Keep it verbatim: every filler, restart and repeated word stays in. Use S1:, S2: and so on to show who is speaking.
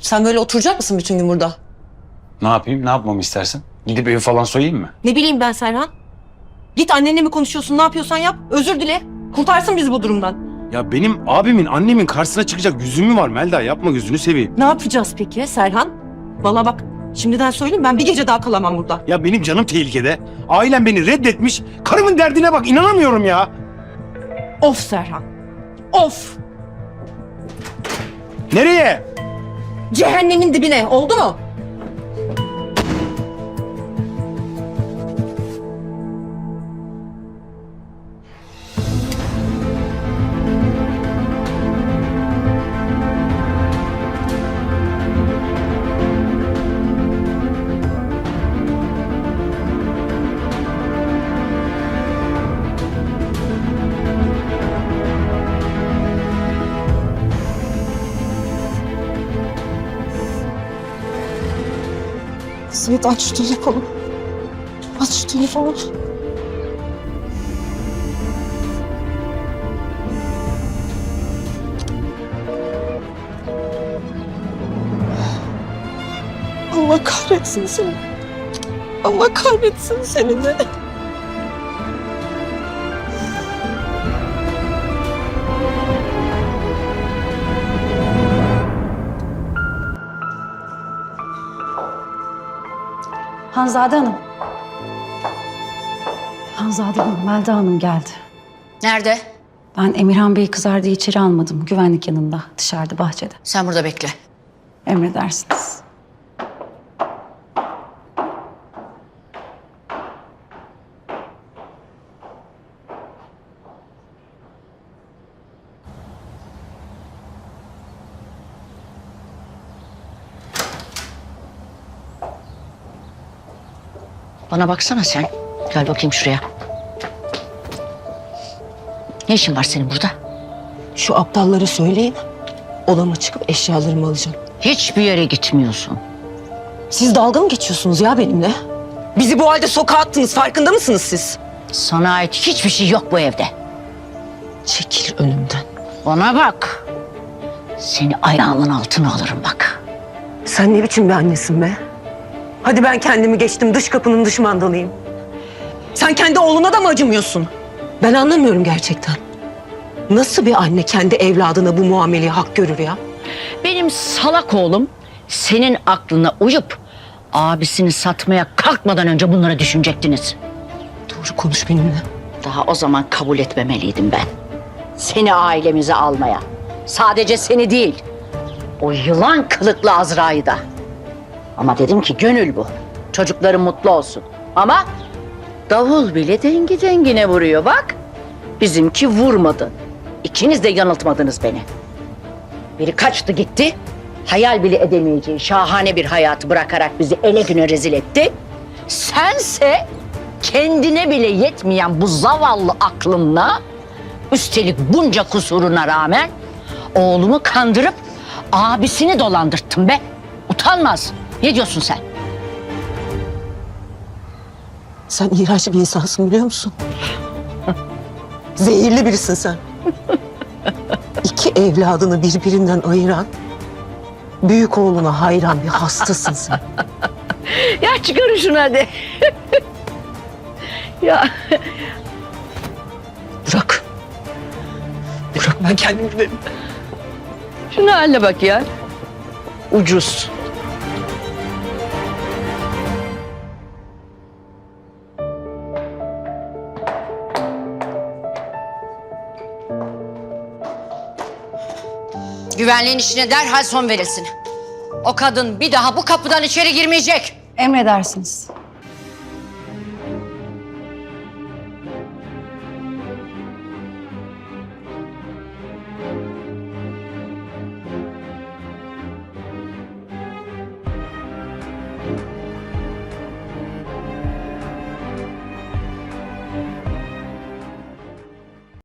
S1: Sen böyle oturacak mısın bütün gün burada?
S2: Ne yapayım? Ne yapmamı istersin? Gidip evi falan soyayım mı?
S1: Ne bileyim ben Serhan. Git annenle mi konuşuyorsun, ne yapıyorsan yap. Özür dile. Kurtarsın bizi bu durumdan.
S3: Ya benim abimin annemin karşısına çıkacak yüzüm mü var Melda? Yapma, gözünü seveyim.
S1: Ne yapacağız peki Serhan? Vallahi bak şimdiden söyleyeyim, ben bir gece daha kalamam burada.
S3: Ya benim canım tehlikede. Ailem beni reddetmiş. Karımın derdine bak, inanamıyorum ya.
S1: Of Serhan. Of.
S3: Nereye?
S1: Cehennemin dibine, oldu mu? Svet, aç şu telefonu. Aç şu telefonu. Allah kahretsin seni. Allah kahretsin seni de.
S4: Hanzade Hanım. Hanzade Hanım, Melda Hanım geldi.
S5: Nerede?
S4: Ben Emirhan Bey'i kızar diye içeri almadım. Güvenlik yanında, dışarıda, bahçede.
S5: Sen burada bekle.
S4: Emredersiniz.
S5: Bana baksana sen. Gel bakayım şuraya. Ne işin var senin burada?
S1: Şu aptallara söyleyin. Odama çıkıp eşyalarımı alacağım.
S5: Hiçbir yere gitmiyorsun.
S1: Siz dalga mı geçiyorsunuz ya benimle? Bizi bu halde sokağa attınız, farkında mısınız siz?
S5: Sana ait hiçbir şey yok bu evde.
S1: Çekil önümden.
S5: Bana bak. Seni ayağımın altına alırım bak.
S1: Sen ne biçim bir annesin be? Hadi ben kendimi geçtim, dış kapının dış mandalıyım. Sen kendi oğluna da mı acımıyorsun? Ben anlamıyorum gerçekten. Nasıl bir anne kendi evladına bu muameleyi hak görür ya?
S5: Benim salak oğlum senin aklına uyup abisini satmaya kalkmadan önce bunları düşünecektiniz.
S1: Doğru konuş benimle.
S5: Daha o zaman kabul etmemeliydim ben. Seni ailemize almaya. Sadece seni değil, o yılan kılıklı Azra'yı da. Ama dedim ki gönül bu. Çocukların mutlu olsun. Ama davul bile dengi dengine vuruyor bak. Bizimki vurmadı. İkiniz de yanıltmadınız beni. Biri kaçtı gitti. Hayal bile edemeyeceği şahane bir hayatı bırakarak bizi ele güne rezil etti. Sense kendine bile yetmeyen bu zavallı aklınla, üstelik bunca kusuruna rağmen oğlumu kandırıp abisini dolandırttın be. Utanmaz. Ne diyorsun sen?
S1: Sen iğrenç bir insansın biliyor musun? Zehirli birisin sen. İki evladını birbirinden ayıran, büyük oğluna hayran bir hastasın sen.
S5: Ya çıkarın şunu hadi. Ya
S1: Bırak. Bırak, ben kendim giderim.
S5: şunu haline bak ya. Ucuz. Güvenliğin işine derhal son verilsin. O kadın bir daha bu kapıdan içeri girmeyecek.
S4: Emredersiniz.